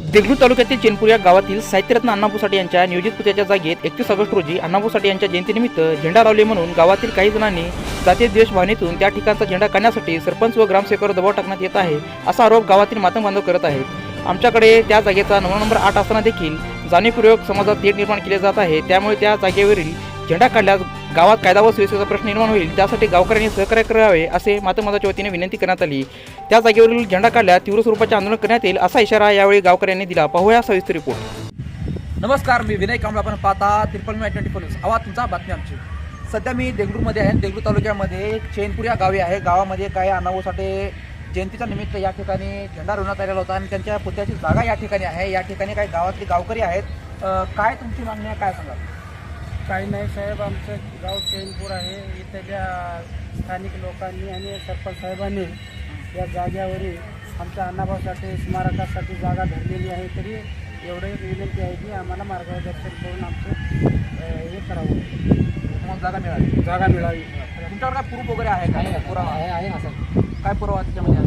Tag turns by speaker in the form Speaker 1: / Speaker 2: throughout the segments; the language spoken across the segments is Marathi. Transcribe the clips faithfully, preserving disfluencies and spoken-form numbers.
Speaker 1: देगलूर तालुक्यातील चेनपूर या गावातील साहित्यरत्न अण्णाभाऊ साठे यांच्या नियोजित पुतळ्याच्या जागेत एकतीस ऑगस्ट रोजी अण्णाभाऊ साठे यांच्या जयंतीनिमित्त झेंडा लावले म्हणून गावातील काही जणांनी जातीय द्वेष भावनेतून त्या ठिकाणचा झेंडा काढण्यासाठी सरपंच व ग्रामसेवकावर दबाव टाकण्यात येत आहे असा आरोप गावातील मातंग बांधव करत आहेत। आमच्याकडे त्या जागेचा नवा नंबर आठ असताना देखील जाणीवपूर्वक समाजात तेढ निर्माण केले जात आहे, त्यामुळे त्या जागेवरील झेंडा काढल्यास गावात कायदा व सुव्यवस्थेचा प्रश्न निर्माण होईल, त्यासाठी गावकऱ्यांनी सहकार्य करावे असे मातंग बांधवाच्या वतीने विनंती करण्यात आली। त्या जागेवरील झेंडा काढल्यास तीव्र स्वरूपाचे आंदोलन करण्यात येईल असा इशारा यावेळी गावकऱ्यांनी दिला। पाहूया सविस्तर रिपोर्ट।
Speaker 2: नमस्कार, मी विनय कांबळे, आपण पाहता त्रिपल मी ट्वेंटी फोर न्यूज। आवाज तुमचा, बातमी आमची। सध्या मी देगलूरमध्ये आहे। देगलूर तालुक्यामध्ये चेनपूर या गावी आहे। गावामध्ये काय अण्णाभाऊ साठे जयंतीच्या निमित्त या ठिकाणी झेंडा रोवण्यात आलेला होता आणि त्यांच्या पुतळ्याची जागा या ठिकाणी आहे। या ठिकाणी काही गावातले गावकरी आहेत। काय तुमची मागणी आहे, काय सांगाल?
Speaker 3: काही नाही साहेब, आमचं गाव चैनपूर आहे। इथल्या स्थानिक लोकांनी आणि सरपंच साहेबांनी या जागेवरील आमच्या अण्णाभाऊ साठे स्मारकासाठी जागा धरलेली आहे, तरी एवढे विनंती आहे की आम्हाला मार्गदर्शन करून आमचं हे करावं,
Speaker 2: मग जागा मिळाली
Speaker 3: जागा मिळावी।
Speaker 2: तुमच्यावर काय प्रूफ वगैरे आहे का? पुरावा
Speaker 3: आहे आहे ना सर,
Speaker 2: काय पुरावा त्याच्यामध्ये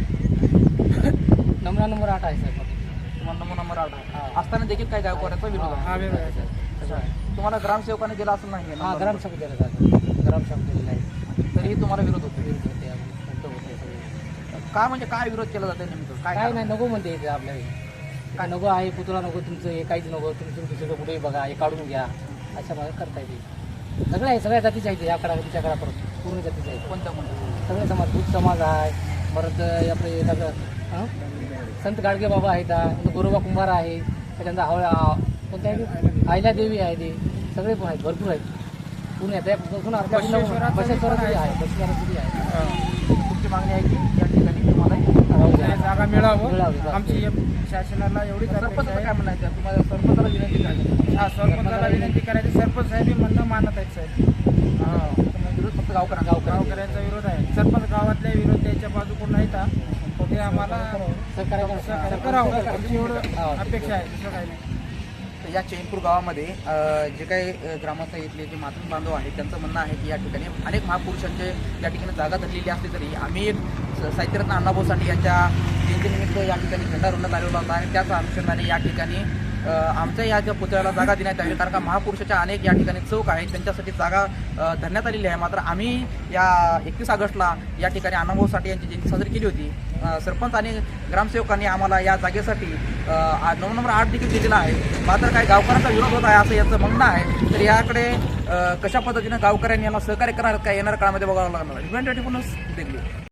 Speaker 2: आहे?
Speaker 3: नंबर नंबर आठ आहे साहेब,
Speaker 2: तुम्हाला नंबर नंबर आठ आहे असताना देखील काय गावकऱ्याचा विरोध आहे?
Speaker 3: हा वेगळं आहे सर।
Speaker 2: तुम्हाला ग्रामसेवकाने दिला असं नाही?
Speaker 3: हां, ग्रामसेवक दिला जातं, ग्रामसेवक दिलेला आहे,
Speaker 2: तरीही तुम्हाला विरोध होतो?
Speaker 3: विरोध होते होते
Speaker 2: काय म्हणजे काय विरोध केला जाते नेमकं? काय
Speaker 3: काय नाही, नको म्हणते इथे आपल्याला काय नको आहे, पुतळा नको तुमचं, हे काहीच नको, तुम्ही तुमचं सगळं कुठेही बघा, हे काढून घ्या, अशा मला करता येते। सगळं आहे, सगळ्या जातीचे आहेत, याकडा तुमच्याकडा परत पूर्ण जातीचे आहेत।
Speaker 2: कोणत्या कोणत्या?
Speaker 3: सगळे समाज, दूध समाज आहे, परत आपले सगळं संत गाडगे बाबा आहेत, गोरोबा कुंभार आहे, त्याच्यानंतर हवळा कोणत्या आहे, आयला देवी आहे, ते सगळे पण आहेत, भरपूर आहेत पूर्ण आहेत। बसून आपल्या बसेश्वराची आहे, बसेश्वराची आहे।
Speaker 2: तुमची मागणी आहे की या ठिकाणी तुम्हाला
Speaker 3: जागा मिळावं, आमची शासनाला एवढी
Speaker 2: सरपंच काय म्हणायचं? तुम्हाला सरपंचाला विनंती करायची?
Speaker 3: हा, सरपंचाला विनंती करायची, सरपंच साहेब म्हणणं मानत आहेत साहेब।
Speaker 2: हां, विरोध फक्त गावकऱ्या
Speaker 3: गावकऱ्यांचा विरोध आहे, सरपंच गावातल्या विरोध त्याच्या बाजूकडून नाहीत, ते आम्हाला सहकार्य करावं एवढं अपेक्षा आहे, दुसरं काही नाही।
Speaker 2: या चैनपूर गावामध्ये जे काही ग्रामस्थ इथले जे मातंग बांधव आहेत त्यांचं म्हणणं आहे की या ठिकाणी अनेक महापुरुषांचे या ठिकाणी जागा धरलेली असली तरी आम्ही साहित्यरत्न अण्णाभाऊ साठे यांच्या जयंतीनिमित्त या ठिकाणी झेंडा रोवण्यात आलेला होता आणि त्याच अनुषंगाने या ठिकाणी आमच्या या ज्या पुतळ्याला जागा देण्यात यावी, कारण का महापुरुषाच्या अनेक या ठिकाणी चौक आहेत, त्यांच्यासाठी जागा धरण्यात आलेली आहे। मात्र आम्ही या एकतीस ऑगस्टला या ठिकाणी अण्णाभाऊ साठे यांची जयंती साजरी केली होती। सरपंच आणि ग्रामसेवकांनी आम्हाला या जागेसाठी नऊ नंबर आठ देखील दिलेला आहे, मात्र काही गावकऱ्यांचा विरोध होत आहे असं यांचं म्हणणं आहे। तर याकडे कशा पद्धतीनं गावकऱ्यांनी याला सहकार्य करणार काय येणाऱ्या काळामध्ये बघावं लागणार आहे।